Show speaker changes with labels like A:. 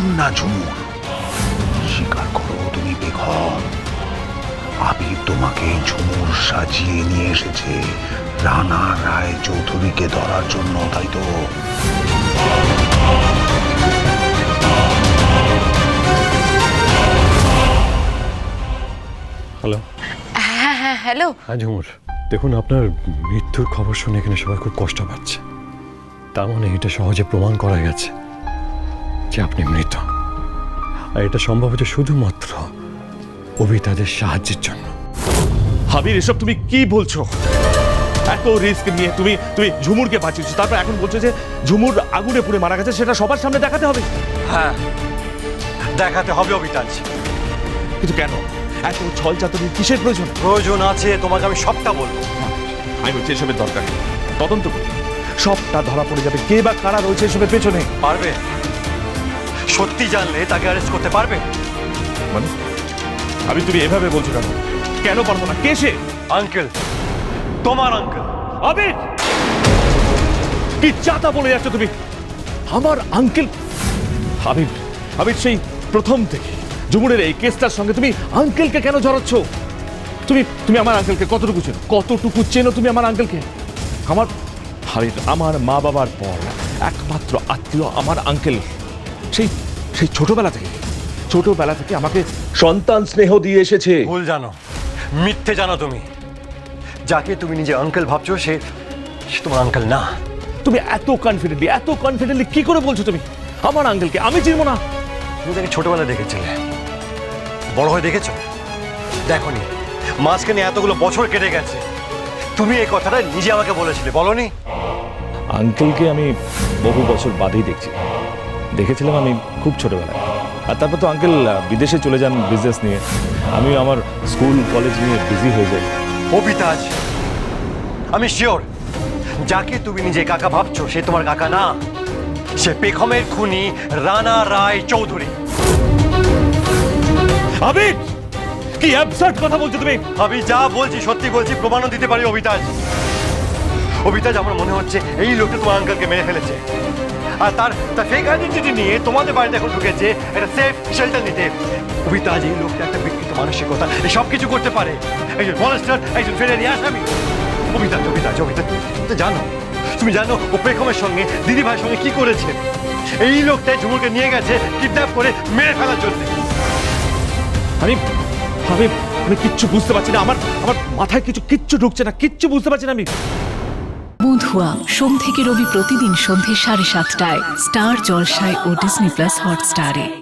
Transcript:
A: বেগম না ঝুমুর? স্বীকার করো তুমি বেগম। আবির তোমাকে ঝুমুর সাজিয়ে নিয়ে এসেছে রানা রায় চৌধুরীকে ধরার জন্য, তাই তো?
B: হ্যালো।
C: হ্যাঁ হ্যাঁ হ্যালো।
B: হ্যাঁ ঝুমুর, দেখুন আপনার মৃত্যুর খবর শুনে এখানে সবাই খুব কষ্ট পাচ্ছে। তার মানে এটা সহজে প্রমাণ করা গেছে যে আপনি মৃত। আর এটা সম্ভব হচ্ছে শুধুমাত্র অবিতাদের সাহায্যের জন্য।
D: হাবির, এসব তুমি কি বলছো? এত রিস্ক নিয়ে তুমি তুমি ঝুমুরকে বাঁচিয়েছো, তারপর এখন বলছো যে ঝুমুর আগুনে পুড়ে মারা গেছে, সেটা সবার সামনে দেখাতে হবে?
E: হ্যাঁ, দেখাতে হবে অবিতাজ।
D: কিন্তু কেন এত ছল চাতুরির কিসের প্রয়োজন?
E: প্রয়োজন আছে, তোমাকে আমি সবটা বলবো।
D: আমি বলছি এসবের দরকার নেই। তদন্ত করি, সবটা ধরা পড়ে যাবে কে বা কারা রয়েছে এসবের পেছনে।
E: পারবে? সত্যি জানলে তাকে অ্যারেস্ট করতে পারবে?
D: মানে আমি, তুমি এভাবে বলছো কেন? কেন পারবো না? কে সে?
E: আঙ্কেল, তোমার আঙ্কেল।
D: আবির, কি চাতা বলে যাচ্ছ তুমি? আমার আঙ্কেল? আবির, আবির, সেই প্রথম থেকে ঝুমুরের এই কেসটার সঙ্গে তুমি আঙ্কেলকে কেন জড়াচ্ছ? তুমি তুমি আমার আঙ্কেলকে কতটুকু চেনো? কতটুকু চেনো তুমি আমার আঙ্কেলকে? আমার আবির, আমার মা বাবার পর একমাত্র আত্মীয় আমার আঙ্কেল। সেই সেই ছোটবেলা থেকে আমাকে সন্তান স্নেহ দিয়ে এসেছে।
E: ভুল জানো, মিথ্যে জানো তুমি। যাকে তুমি নিজে আঙ্কেল ভাবছো সে সে তোমার আঙ্কেল না।
D: তুমি এত কনফিডেন্টলি কি করে বলছো তুমি আমার আঙ্কেলকে আমি চিনবো না?
E: তুমি তাকে ছোটবেলায় দেখেছিলে, বড় হয়ে দেখেছো? দেখোনি, মাঝখানে এতগুলো বছর কেটে গেছে। তুমি এই কথাটা নিজে আমাকে বলেছিলে, বলনি?
D: আঙ্কেলকে আমি বহু বছর বাদেই দেখেছিলাম আমি খুব ছোটবেলায়। আর তারপর তো আঙ্কেল বিদেশে চলে যান বিজনেস নিয়ে, আমি আমার স্কুল কলেজ নিয়ে বিজি হয়ে যাই।
E: অবিতাজ, আমি শিওর যাকে তুমি নিজে কাকা ভাবছো সে তোমার কাকা না। সে পেখমের খুনি রানা রায় চৌধুরী।
D: আবির, কি অ্যাবসার্ড কথা বলছো তুমি?
E: আমি যা বলছি সত্যি বলছি, প্রমাণও দিতে পারি। অবিতাজ, অবিতাজ, আমার মনে হচ্ছে এই লোকটা তোমার আঙ্কেলকে মেরে ফেলেছে। আর তার ফেক আইডেন্টিটি নিয়ে তোমাদের বাড়িতে এখন ঢুকেছে একটা সেফ শেল্টার নিতে। অবিতাজ, এই লোকটা একটা বিকৃত মানসিকতা, এই সব কিছু করতে পারে। একজন মনস্টার, একজন ফেরারি আসামি। অবিতাজ, অবিতাজ, অবিতাজ, তুমি জানো, তুমি জানো ও পেখমের সঙ্গে দিদি ভাইয়ের সঙ্গে কি করেছে? এই লোকটাই ঝুমুরকে নিয়ে গেছে কিডন্যাপ করে মেরে ফেলার জন্য।
D: আমি আমি আমি কিচ্ছু বুঝতে পারছি না। আমার আমার মাথায় কিচ্ছু ঢুকছে না, কিচ্ছু বুঝতে পারছি না আমি।
F: বন্ধুয়া সোম থেকে রবি প্রতিদিন সন্ধ্যে 7:30টায় স্টার জলসায় ও ডিজনি প্লাস হটস্টারে।